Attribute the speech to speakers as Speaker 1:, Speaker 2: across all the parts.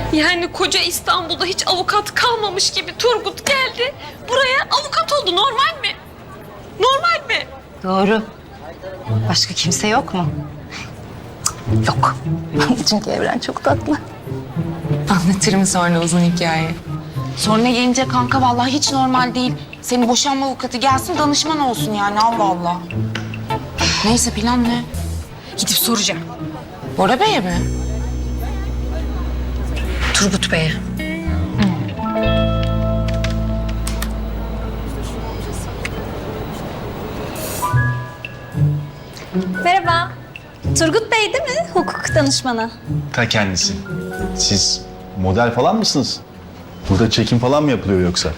Speaker 1: Yani koca İstanbul'da hiç avukat kalmamış gibi Turgut geldi. Buraya avukat oldu. Normal mi? Normal mi?
Speaker 2: Doğru. Başka kimse yok mu? Yok. Çünkü Evren çok tatlı.
Speaker 3: Anlatırım sonra uzun hikaye. Sonra gelince kanka vallahi hiç normal değil. Senin boşanma avukatı gelsin danışman olsun yani Allah Allah. Neyse plan ne?
Speaker 1: Gidip soracağım.
Speaker 3: Bora Bey'e mi?
Speaker 1: Turgut Bey'e.
Speaker 4: Merhaba. Turgut Bey değil mi? Hukuk danışmanı.
Speaker 5: Ta kendisi. Siz model falan mısınız? Burada çekim falan mı yapılıyor yoksa?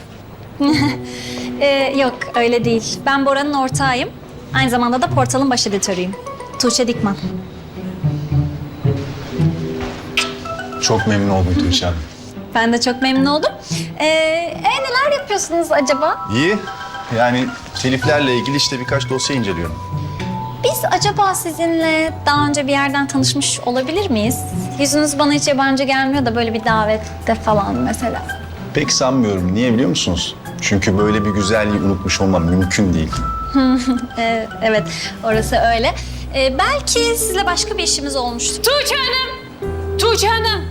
Speaker 4: Yok öyle değil. Ben Bora'nın ortağıyım. Aynı zamanda da portalın baş editörüyüm. Tuğçe Dikman.
Speaker 5: Çok memnun oldum Tuğçe Hanım.
Speaker 4: Ben de çok memnun oldum. Neler yapıyorsunuz acaba?
Speaker 5: İyi. Yani teliflerle ilgili işte birkaç dosya inceliyorum.
Speaker 4: Biz acaba sizinle daha önce bir yerden tanışmış olabilir miyiz? Yüzünüz bana hiç yabancı gelmiyor da böyle bir davette falan mesela.
Speaker 5: Pek sanmıyorum. Niye biliyor musunuz? Çünkü böyle bir güzelliği unutmuş olmam mümkün değil.
Speaker 4: Evet, orası öyle. Belki sizle başka bir işimiz olmuştur.
Speaker 1: Tuğçe Hanım! Tuğçe Hanım!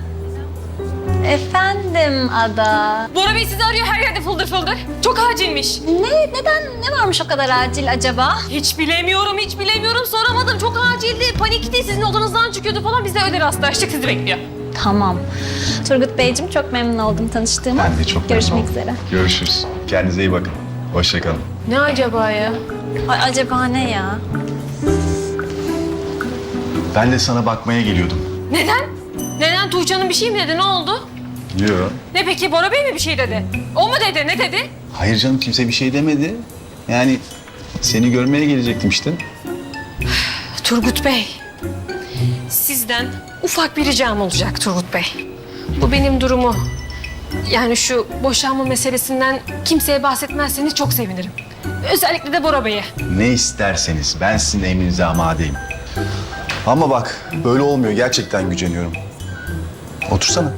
Speaker 4: Efendim Ada.
Speaker 1: Bora Bey sizi arıyor, her yerde fıldır fıldır. Çok acilmiş.
Speaker 4: Neden, ne varmış o kadar acil acaba?
Speaker 1: Hiç bilemiyorum. Soramadım. Çok acildi, panikti. Sizin odanızdan çıkıyordu falan. Biz de öyle rastlaştık. Sizi bekliyor.
Speaker 4: Tamam. Turgut Beyciğim çok memnun oldum tanıştığıma.
Speaker 5: Ben de çok memnun
Speaker 4: Görüşmek
Speaker 5: oldum.
Speaker 4: üzere.
Speaker 5: Görüşürüz. Kendinize iyi bakın. Hoşça kalın.
Speaker 1: Ne acaba ya?
Speaker 4: Ay, acaba ne ya?
Speaker 5: Ben de sana bakmaya geliyordum.
Speaker 1: Neden? Neden? Tuğçe Hanım bir şey mi dedi? Ne oldu?
Speaker 5: Yok.
Speaker 1: Ne peki? Bora Bey mi bir şey dedi? O mu dedi? Ne dedi?
Speaker 5: Hayır canım kimse bir şey demedi. Yani seni görmeye gelecektim işte.
Speaker 1: Turgut Bey, sizden ufak bir ricam olacak Turgut Bey. Bu benim durumu. Yani şu boşanma meselesinden kimseye bahsetmezseniz çok sevinirim. Özellikle de Bora Bey'e.
Speaker 5: Ne isterseniz ben sizin emrinize amadeyim. Ama bak böyle olmuyor. Gerçekten güceniyorum. Otursana.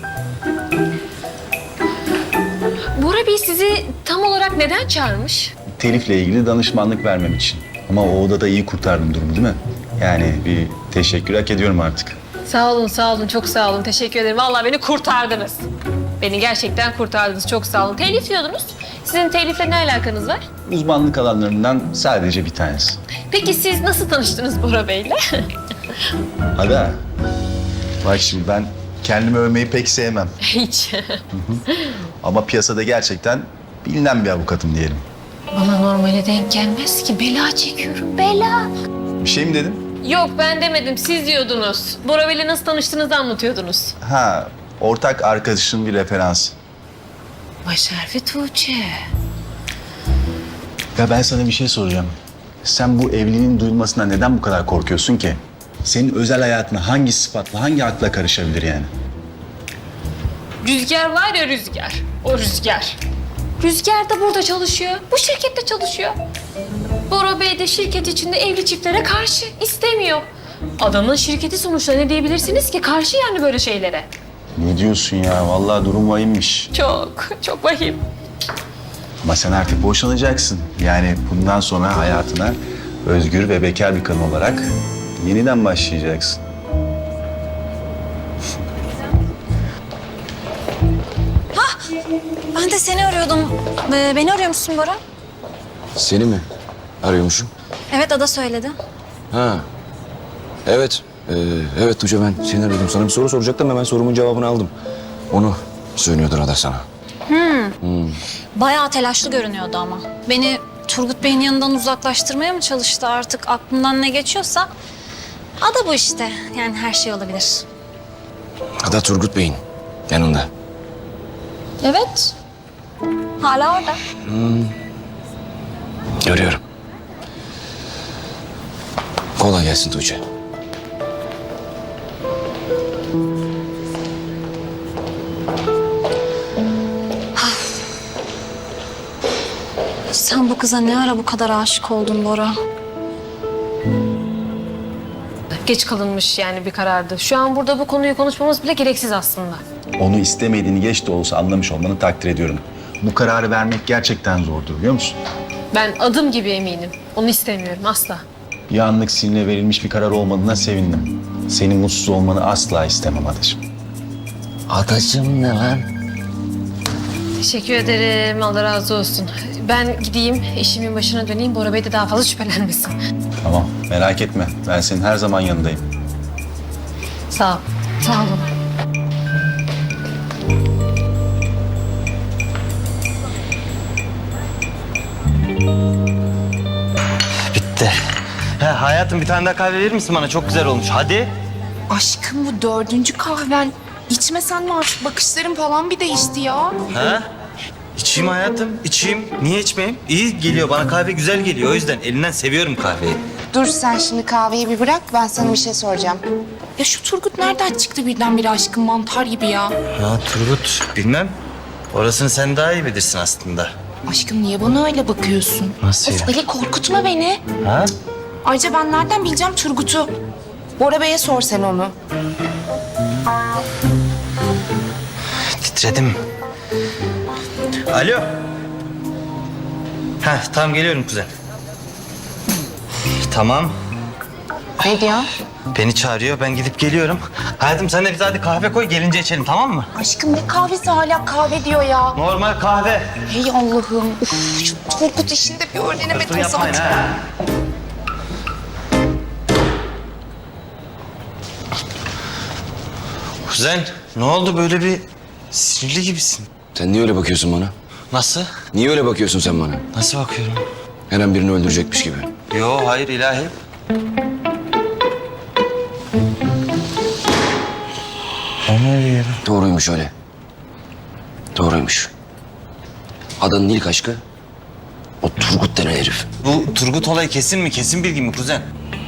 Speaker 1: Bora Bey sizi tam olarak neden çağırmış?
Speaker 5: Telifle ilgili danışmanlık vermem için. Ama o odada iyi kurtardım durumu değil mi? Yani bir teşekkür hak ediyorum artık.
Speaker 1: Sağ olun, çok sağ olun. Teşekkür ederim. Vallahi beni kurtardınız. Beni gerçekten kurtardınız. Çok sağ olun. Telif diyordunuz. Sizin telifle ne alakanız var?
Speaker 5: Uzmanlık alanlarından sadece bir tanesi.
Speaker 1: Peki siz nasıl tanıştınız Bora Bey'le?
Speaker 5: Ada, bak şimdi ben kendimi övmeyi pek sevmem.
Speaker 1: Hiç.
Speaker 5: Ama piyasada gerçekten bilinen bir avukatım diyelim.
Speaker 1: Bana normale denk gelmez ki. Bela çekiyorum, bela.
Speaker 5: Bir şey mi dedim?
Speaker 1: Yok ben demedim, siz diyordunuz. Bora Bey'le nasıl tanıştığınızı anlatıyordunuz.
Speaker 5: Ha, ortak arkadaşın bir referans.
Speaker 1: Başarfi Tuğçe.
Speaker 5: Ya ben sana bir şey soracağım. Sen bu evliliğin duyulmasına neden bu kadar korkuyorsun ki? Senin özel hayatına hangi sıfatla, hangi akla karışabilir yani?
Speaker 1: Rüzgar var ya Rüzgar, o Rüzgar. Rüzgar da burada çalışıyor, bu şirkette çalışıyor. Bora Bey de şirket içinde evli çiftlere karşı istemiyor. Adamın şirketi sonuçta ne diyebilirsiniz ki? Karşı yani böyle şeylere.
Speaker 5: Ne diyorsun ya? Vallahi durum vahimmiş.
Speaker 1: Çok vahim.
Speaker 5: Ama sen artık boşanacaksın. Yani bundan sonra hayatına özgür ve bekar bir kadın olarak yeniden başlayacaksın.
Speaker 4: Ben de seni arıyordum. Beni arıyor musun Bora?
Speaker 6: Seni mi arıyormuşum?
Speaker 4: Evet Ada söyledi.
Speaker 6: Ha. Evet. Evet Tuğçe ben seni arıyordum. Sana bir soru soracaktım hemen sorumun cevabını aldım. Onu söylüyordur Ada sana.
Speaker 4: Bayağı telaşlı görünüyordu ama. Beni Turgut Bey'in yanından uzaklaştırmaya mı çalıştı artık aklımdan ne geçiyorsa? Ada bu işte. Yani her şey olabilir.
Speaker 6: Ada Turgut Bey'in yanında.
Speaker 4: Evet. Hala orada.
Speaker 6: Görüyorum. Kolay gelsin Tuğçe.
Speaker 4: Sen bu kıza ne ara bu kadar aşık oldun Bora?
Speaker 1: Geç kalınmış yani bir karardı. Şu an burada bu konuyu konuşmamız bile gereksiz aslında.
Speaker 5: Onu istemediğini geç de olsa anlamış olmanı takdir ediyorum. Bu kararı vermek gerçekten zordur biliyor musun?
Speaker 1: Ben adım gibi eminim. Onu istemiyorum asla.
Speaker 5: Bir anlık sinirle verilmiş bir karar olmadığına sevindim. Senin mutsuz olmanı asla istemem adacığım.
Speaker 6: Adacığım ne lan?
Speaker 1: Teşekkür ederim. Allah razı olsun. Ben gideyim, işimin başına döneyim. Bora Bey de daha fazla şüphelenmesin.
Speaker 5: Tamam, merak etme. Ben senin her zaman yanındayım.
Speaker 1: Sağ ol. Sağ olun.
Speaker 7: Bitti. Hayatım bir tane daha kahve verir misin bana? Çok güzel olmuş. Hadi.
Speaker 3: Aşkım bu 4. kahven. İçmesen mi artık? Bakışların falan bir değişti ya.
Speaker 7: Ha? İçeyim hayatım, içeyim. Niye içmeyeyim? İyi geliyor, bana kahve güzel geliyor. O yüzden elinden seviyorum kahveyi.
Speaker 3: Dur sen şimdi kahveyi bir bırak. Ben sana bir şey soracağım. Ya şu Turgut nereden çıktı birdenbire aşkım mantar gibi ya?
Speaker 7: Ha Turgut, bilmem. Orasını sen daha iyi bilirsin aslında.
Speaker 3: Aşkım niye bana öyle bakıyorsun?
Speaker 7: Nasıl
Speaker 3: Of
Speaker 7: ya?
Speaker 3: Ali korkutma beni.
Speaker 7: Ha?
Speaker 3: Ayrıca ben nereden bileceğim Turgut'u? Bora Bey'e sor sen onu.
Speaker 7: Titredim. Alo. Tamam geliyorum kuzen. Tamam.
Speaker 3: Ne diyor?
Speaker 7: Beni çağırıyor, ben gidip geliyorum. Hayatım sen de bize hadi kahve koy, gelince içelim tamam mı?
Speaker 3: Aşkım ne kahvesi hala kahve diyor ya.
Speaker 7: Normal kahve.
Speaker 3: Hey Allah'ım. Uf, şu Turgut işinde bir öğrenemedim
Speaker 7: Fırfır yapmayın
Speaker 3: zaten.
Speaker 7: ha. Kuzen, ne oldu böyle bir sinirli gibisin?
Speaker 6: Sen niye öyle bakıyorsun bana?
Speaker 7: Nasıl?
Speaker 6: Niye öyle bakıyorsun sen bana?
Speaker 7: Nasıl bakıyorum?
Speaker 6: Her an birini öldürecekmiş gibi.
Speaker 7: Yo, hayır ilahi. Ben ne diyorum?
Speaker 6: Doğruymuş öyle. Doğruymuş. Adanın ilk aşkı o Turgut denen herif.
Speaker 7: Bu Turgut olayı kesin mi? Kesin bilgi mi kuzen?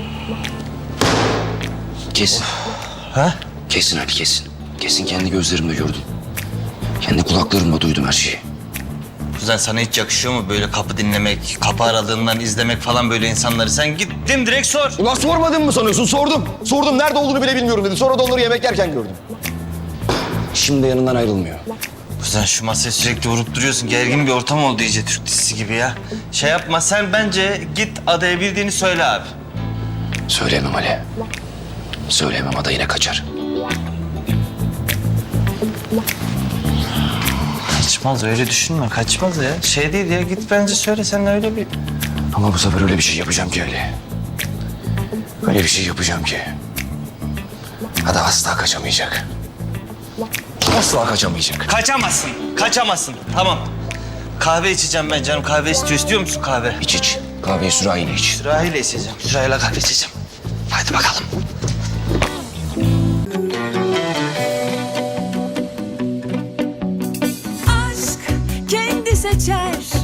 Speaker 6: Kesin.
Speaker 7: Ha?
Speaker 6: Kesin Ali kesin. Kesin kendi gözlerimle gördüm. Kendi kulaklarımla duydum her şeyi.
Speaker 7: Kuzen sana hiç yakışıyor mu böyle kapı dinlemek, kapı aralığından izlemek falan böyle insanları? Sen git direkt sor.
Speaker 6: Ulan sormadın mı sanıyorsun? Sordum. Sordum nerede olduğunu bile bilmiyorum dedi. Sonra da onları yemek yerken gördüm. Şimdi yanından ayrılmıyor.
Speaker 7: Kuzen şu masayı sürekli vurup duruyorsun. Gergin bir ortam oldu iyice Türk dizisi gibi ya. Şey yapma sen bence git adaya bildiğini söyle abi.
Speaker 6: Söyleyemem Ali. Söyleyemem ada yine kaçar.
Speaker 7: Kaçmaz öyle düşünme kaçmaz ya. Şey değil ya git bence söyle sen öyle bir...
Speaker 6: Ama bu sefer öyle bir şey yapacağım ki Ali. Öyle bir şey yapacağım ki. Ada asla kaçamayacak. Asla kaçamayacak.
Speaker 7: Kaçamazsın, kaçamazsın. Tamam. Kahve içeceğim ben canım. Kahve istiyor musun kahve?
Speaker 6: İç iç. Kahveyi sürahiyle iç.
Speaker 7: Sürahiyle içeceğim. Sürahiyle kahve içeceğim. Hadi bakalım.
Speaker 8: aşk kendi seçer